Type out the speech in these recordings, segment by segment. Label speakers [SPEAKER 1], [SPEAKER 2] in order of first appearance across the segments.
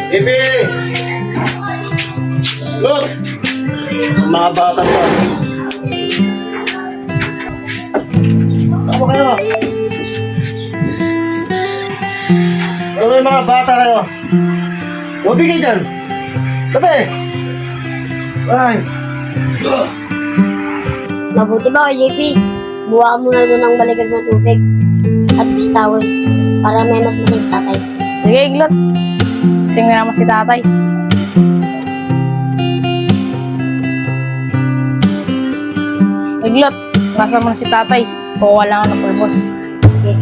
[SPEAKER 1] Bibi! Look! Mga bata pa. Ako kayo. Ano yung mga bata kayo? Mabigay dyan. Tabi! Ay!
[SPEAKER 2] Mabuti ba kay JP? Buwaan mo na doon ang balikan ng tubig at pistawin para may mas maging tatay.
[SPEAKER 3] Sige, Iglot. Tingnan naman si tatay. Iglot, nasa mo na si tatay. Kukuha lang ako ng pulbos.
[SPEAKER 2] Sige.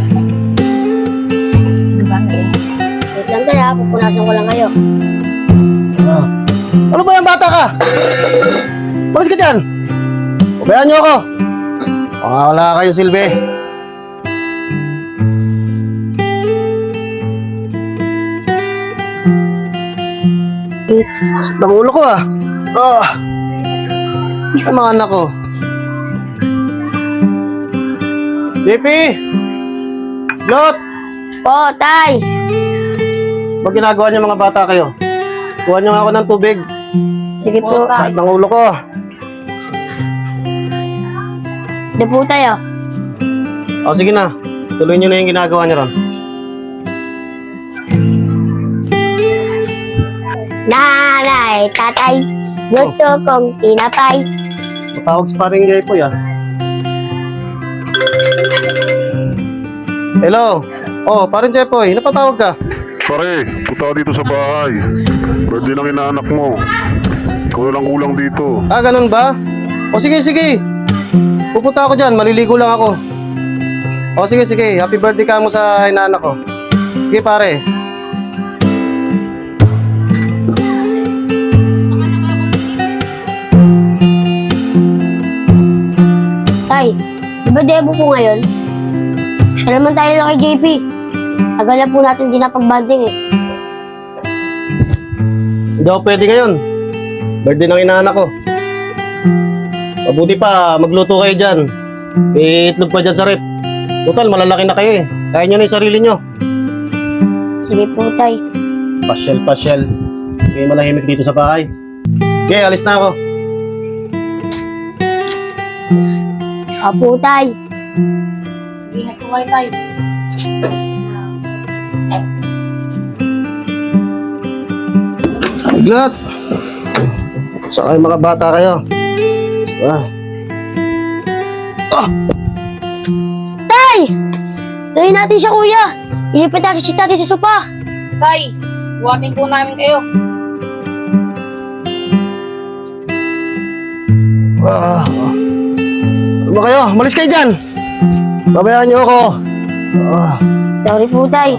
[SPEAKER 3] Diba,
[SPEAKER 2] Wait lang tayo ha, pupunasan ko lang kayo.
[SPEAKER 1] Ah. Ano ba yung bata ka? Balis ka dyan! Ubayan niyo ako! Baka wala kayo silbi. Sakit ng ulo ko ah. Ang mga anak ko. JP! Lot!
[SPEAKER 2] Po, tay!
[SPEAKER 1] Ba't ginagawa niyo mga bata kayo? Kuha niyo nga ako ng tubig.
[SPEAKER 2] Sige po, tay.
[SPEAKER 1] Sakit ng ulo ko.
[SPEAKER 2] Ito po tayo.
[SPEAKER 1] O sige na. Tuloy niyo na yung ginagawa niyo ron.
[SPEAKER 2] Nanay, tatay, gusto kong tinapay.
[SPEAKER 1] Matawag sa paring Jepoy ah. Hello. Oh, paring Jepoy, napatawag ka?
[SPEAKER 4] Pare, punta ka dito sa bahay. Birthday ng inaanak mo. Ikaw na lang kulang dito.
[SPEAKER 1] Ah, ganun ba? O sige, sige. Pupunta ako dyan, maliligo lang ako. O sige, sige. Happy birthday ka mo sa inaanak ko. Sige pare.
[SPEAKER 2] Tay, di ba debo po ngayon? Siya naman tayo lang kay JP. Tagal na po natin din napagbanding eh.
[SPEAKER 1] Hindi ako pwede ngayon. Birthday ng inaanak ko. Mabuti pa, magluto kayo dyan. Itlog pa dyan sa rep. Total, malalaki na kayo eh. Kaya nyo na yung sarili nyo.
[SPEAKER 2] Sige po, tay.
[SPEAKER 1] Pasyal. Hindi malahimik dito sa bahay. Okay, alis na ako.
[SPEAKER 2] Opo, tay.
[SPEAKER 3] Ingat po kayo, tay.
[SPEAKER 1] Iglot! Saka yung mga bata kayo.
[SPEAKER 2] Tay! Tayo natin siya, kuya. Ilipat natin si tatay sa sopa.
[SPEAKER 3] Tay, buhatin po namin kayo.
[SPEAKER 1] Ano ba kayo? Malis kayo dyan! Babayaan niyo ako.
[SPEAKER 2] Sorry po, tay.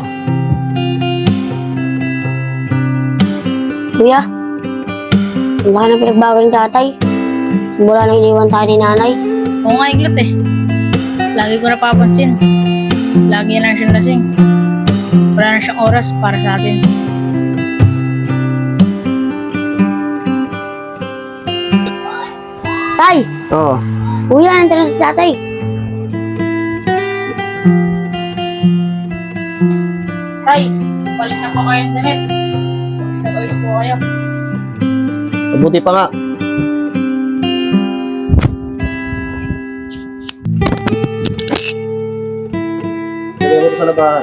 [SPEAKER 2] Kuya, ang laki ng pinagbago ng tatay. Simula nang iniwan tayo ni nanay.
[SPEAKER 3] Oo nga, Iglot eh. Lagi ko napapansin. Lagi lang siyang lasing. Wala na siyang oras para sa atin.
[SPEAKER 2] Tay!
[SPEAKER 1] Oo.
[SPEAKER 2] Kuya, nandun na si tatay.
[SPEAKER 3] Tay, balik na po kayo ng damit. Bawis na bawis po kayo.
[SPEAKER 1] Mabuti pa nga. Sige mo sa labahan.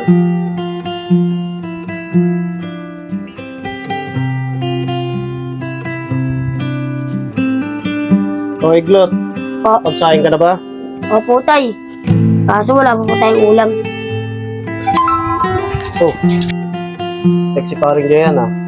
[SPEAKER 1] O Iglot,
[SPEAKER 2] Po.
[SPEAKER 1] pagsahin ka na ba?
[SPEAKER 2] Opo, tay. Kaso wala pa po tayong ulam.
[SPEAKER 1] Oh. Sexy paring Jayan ah.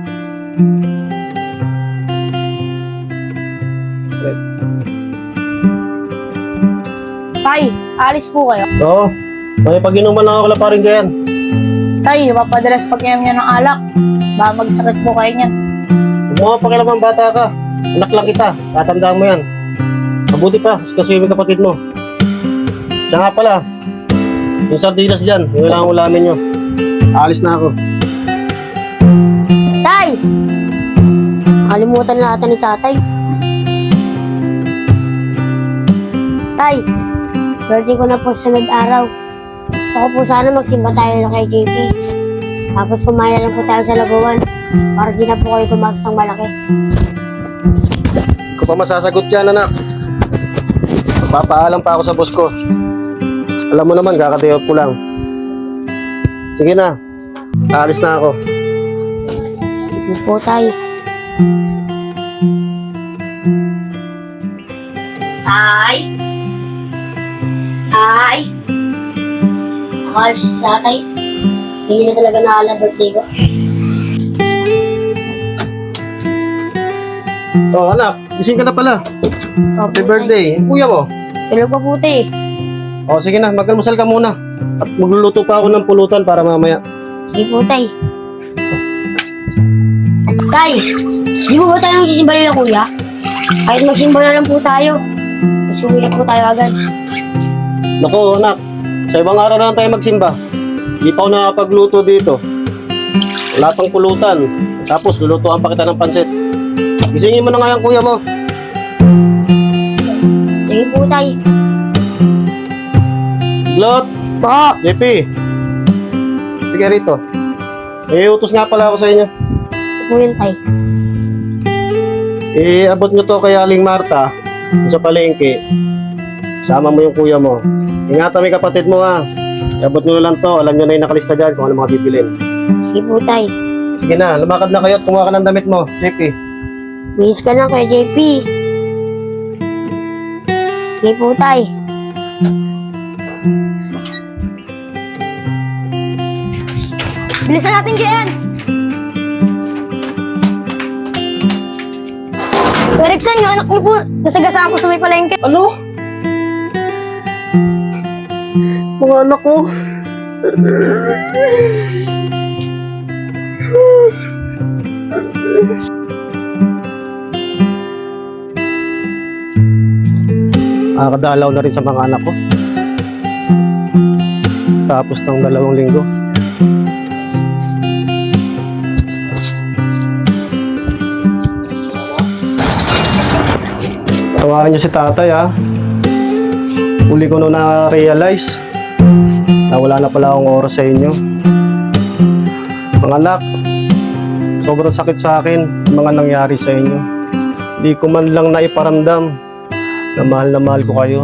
[SPEAKER 3] Tay, alis po kayo.
[SPEAKER 1] Oo. May pag-inuman lang ako kala paring Jayan.
[SPEAKER 3] Tay, napapadalas pag-inom niya ng alak. Baka magsakit po kayo niyan.
[SPEAKER 1] Huwag mo nga pakialaman, bata ka. Anak lang kita. Tatandaan mo yan. Mabuti pa, kasi yung kapatid mo. Siya nga pala. Yung sardinas dyan, yung kailangan ulamin nyo. Aalis na ako.
[SPEAKER 2] Tay! Nakalimutan na natin ni tatay. Tay, birthday ko na po sa sunod araw. Gusto ko po sana magsimba tayo na kay JP. Tapos kumain na lang po tayo sa laguan. para di na po kayo tumasok ng malaki.
[SPEAKER 1] Ikaw pa masasagot yan, anak. Papaalam pa ako sa boss ko. Alam mo naman, kakatayo ko lang. Sige na, aalis na ako.
[SPEAKER 2] Sige po, tay. Tay? Tay? Nakalis si tatay. Hindi na talaga naalala birthday ko.
[SPEAKER 1] Oh, anak, gising ka na pala. Happy birthday. Kuya mo.
[SPEAKER 2] Tulog pa po, tay.
[SPEAKER 1] Oh, sige na, mag-almusal ka muna. At magluluto pa ako ng pulutan para mamaya.
[SPEAKER 2] Sige po, tay. Tay, di mo ba tayo magsisimba nila, kuya? Kahit magsimba na lang po tayo. Tapos uwi na po tayo agad.
[SPEAKER 1] Naku, anak, sa ibang araw na lang tayo magsimba. Di pa ako nakapagluto dito. Wala pang pulutan. Tapos, lulutuan pa kita ng pansit. Gisingin mo na nga yung kuya mo.
[SPEAKER 2] Sige po, tay.
[SPEAKER 1] Glot,
[SPEAKER 2] Po.
[SPEAKER 1] JP. Sige rito. May utos nga pala ako sa inyo.
[SPEAKER 2] Ito po yun, tay.
[SPEAKER 1] Abot nyo to kay Aling Marta sa palengke. Sama mo yung kuya mo. Ingatan mo yung kapatid mo ha. Abot nyo lang to. Alam nyo na yung nakalista dyan kung ano mga bibilin.
[SPEAKER 2] Sige po, tay.
[SPEAKER 1] Sige na, lumakad na kayo at kumuha ka ng damit mo. JP.
[SPEAKER 2] Miss ka na, Kuya JP. Sige po, tay. Bilisan natin dyan! Erikson, yung anak mo po, nasagasaan ko sa may palengke.
[SPEAKER 1] Ano? Mga anak ko. Nakakadalaw na rin sa mga anak ko. Tapos ng 2 linggo. Tawarin niyo si tatay ha. Uli ko nung na-realize na wala na pala akong oras sa inyo. Mga anak, sobrang sakit sa akin ang mga nangyari sa inyo. Hindi ko man lang naiparamdam na mahal ko kayo.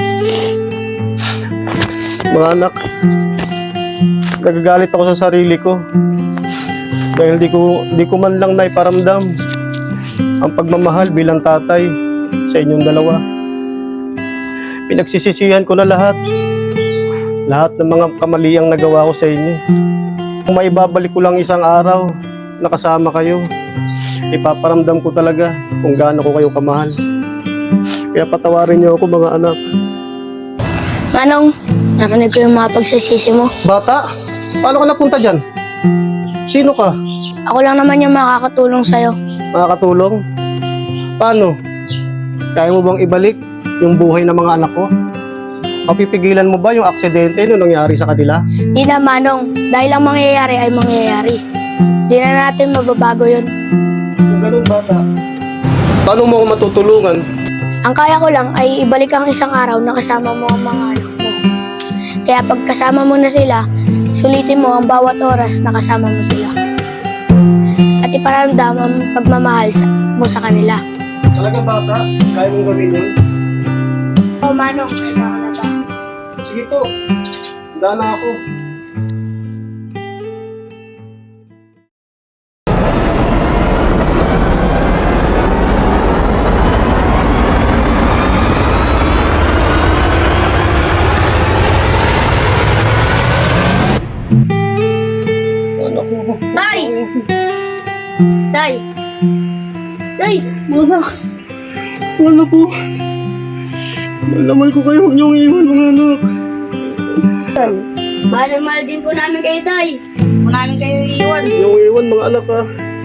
[SPEAKER 1] Mga anak, nagagalit ako sa sarili ko dahil di ko man lang naiparamdam ang pagmamahal bilang tatay sa inyong dalawa. Pinagsisisihan ko na lahat ng mga kamaliang nagawa ko sa inyo. Kung maibabalik ko lang isang araw na kasama kayo, ipaparamdam ko talaga kung gaano ko kayo kamahal. Kaya patawarin niyo ako mga anak.
[SPEAKER 2] Manong, narinig ko yung mga pagsasisi mo.
[SPEAKER 1] Bata, paano ka napunta dyan? Sino ka?
[SPEAKER 2] Ako lang naman yung makakatulong sa'yo.
[SPEAKER 1] Makakatulong? Paano? Kaya mo bang ibalik yung buhay ng mga anak ko? Mapipigilan mo ba yung aksidente na nangyari sa kanila?
[SPEAKER 2] Di na, Manong. Dahil ang mangyayari ay mangyayari. Di na natin mababago yun.
[SPEAKER 1] Kung ganun bata, paano mo ako matutulungan?
[SPEAKER 2] Ang kaya ko lang ay ibalik ang isang araw na kasama mo ang mga anak mo. Kaya pag kasama mo na sila, sulitin mo ang bawat oras na kasama mo sila. At iparamdam ang pagmamahal mo sa kanila.
[SPEAKER 1] Talaga bata, kaya mong gawin yun?
[SPEAKER 2] Oo, Manong. Kaya ko na ba?
[SPEAKER 1] Sige po, handa na ako. Anak ko.
[SPEAKER 2] Tay! Tay! Tay!
[SPEAKER 1] Anak, wala po. Malamal ko kayo, huwag niyong iwan mga anak.
[SPEAKER 2] Mahal na mahal din po namin kayo, Tay. Huwag namin kayo iiwan.
[SPEAKER 1] Huwag niyong iwan mga anak ha.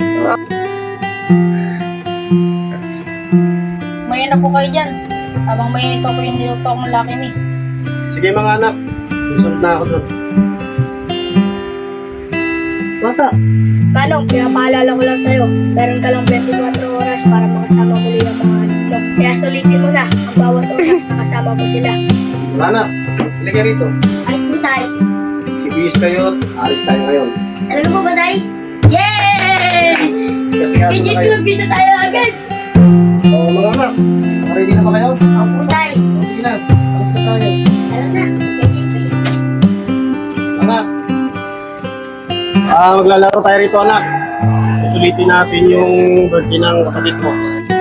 [SPEAKER 3] Mayan na po kayo dyan. Habang may ito po yung niluto akong Lucky Me.
[SPEAKER 1] Sige mga anak, susunod na ako doon. Bata,
[SPEAKER 2] Manong, pinapaalala ko lang sa'yo. Meron ka lang 24 oras para makasama muli ang mga anak mo. Kaya sulitin mo na ang bawat oras na kasama mo sila.
[SPEAKER 1] mga anak, halika rito.
[SPEAKER 2] Ay po, Tay.
[SPEAKER 1] Si Bis kayo, alis tayo ngayon.
[SPEAKER 2] Talaga po ba, Tay? Yay!
[SPEAKER 1] Kasi kaso na kayo.
[SPEAKER 2] Bisa tayo agad.
[SPEAKER 1] Oo, mga anak. Ready na ba kayo?
[SPEAKER 2] Opo, tay.
[SPEAKER 1] Sige na, alis na tayo.
[SPEAKER 2] Alam na.
[SPEAKER 1] Anak. Maglalaro tayo rito, anak. Susulitin natin yung birthday ng kapatid mo.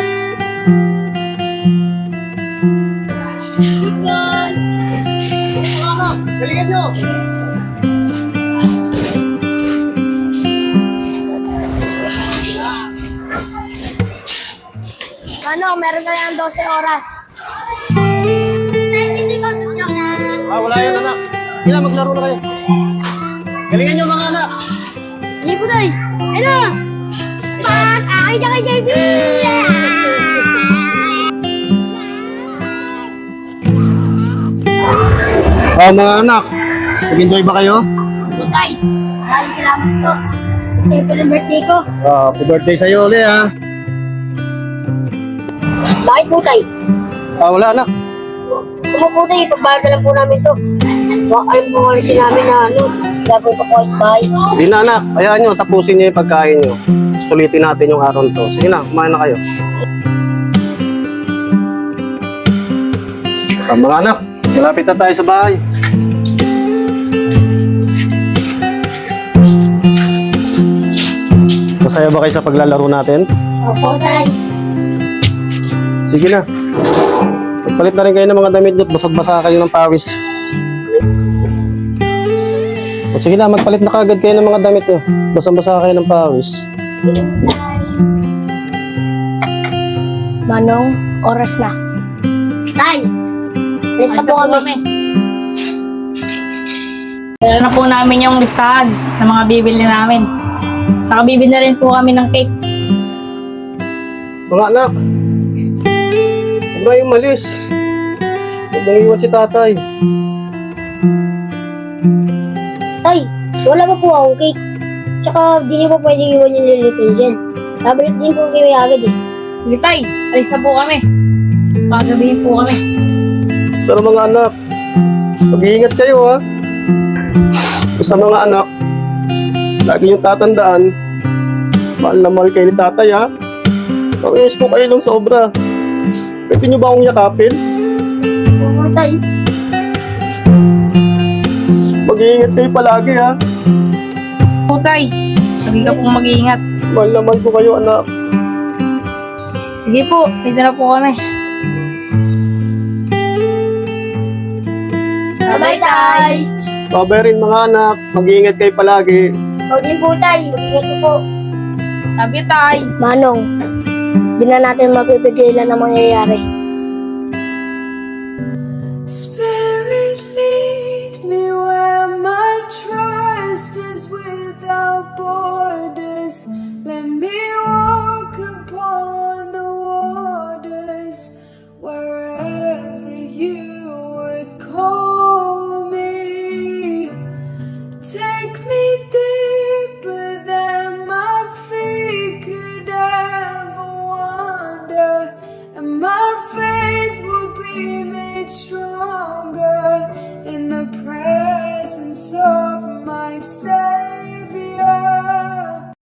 [SPEAKER 1] Galingan nyo!
[SPEAKER 2] Ano, meron ka lang 12 oras.
[SPEAKER 1] Wala yan, anak. Kailan maglaro na kayo. Galingan nyo, mga anak.
[SPEAKER 2] Sige po, tay. Ano? Pak! Akin na kay JB!
[SPEAKER 1] Mga anak. Nag-enjoy ba kayo?
[SPEAKER 2] Opo, tay. Maraming salamat po. Kasi ito ng birthday ko.
[SPEAKER 1] Happy birthday sa'yo ulit, ha.
[SPEAKER 2] Bakit po, tay?
[SPEAKER 1] Wala, anak.
[SPEAKER 2] Gusto mo po, tay. Pagbayad na lang po namin to. Alam po kasi namin na gagawin pa po sa bahay.
[SPEAKER 1] Hindi na, anak. Hayaan nyo, tapusin nyo yung pagkain nyo. Sulitin natin yung araw to. Sige na, kumain na kayo. Mga anak, malapit na tayo sa bahay. Masaya ba kayo sa paglalaro natin?
[SPEAKER 2] Opo, tay.
[SPEAKER 1] Sige na. Magpalit na rin kayo ng mga damit nyo at basag-basa kayo ng pawis. O sige na, magpalit na kagad kayo ng mga damit nyo. Basang-basa kayo ng pawis.
[SPEAKER 2] Manong, oras na. Tay! Alis na po kami.
[SPEAKER 3] Dala na po namin yung listahan sa mga bibili namin. Saka bibili na rin po kami ng cake.
[SPEAKER 1] Mga anak, huwag na yung malis. Huwag nang iwan si tatay.
[SPEAKER 2] Tay, wala pa po akong cake. Tsaka di niyo pa pwedeng iwan yung lilitin dyan. Babalik din po kayo agad eh.
[SPEAKER 3] Sige tay, alis na po kami. Pagabihin po kami.
[SPEAKER 1] Pero mga anak, mag-iingat kayo ha. Sa mga anak, lagi yung tatandaan, mahal na mahal kayo ni tatay ha. Nangyayos ko kayo ng sobra. Pwede nyo ba akong yakapin?
[SPEAKER 2] Oo, tay.
[SPEAKER 1] Mag-iingat kayo palagi ha.
[SPEAKER 3] Po tay, lagi ka pong mag-iingat.
[SPEAKER 1] Mahal na mahal ko kayo anak.
[SPEAKER 3] Sige po, dito na po kami.
[SPEAKER 2] Bye, tay.
[SPEAKER 1] Babay rin mga anak, mag-iingat kayo palagi.
[SPEAKER 2] O din po, tay. Mag-ingat po po.
[SPEAKER 3] Sabi tay.
[SPEAKER 2] Manong, di na natin mapipigilan ang mangyayari.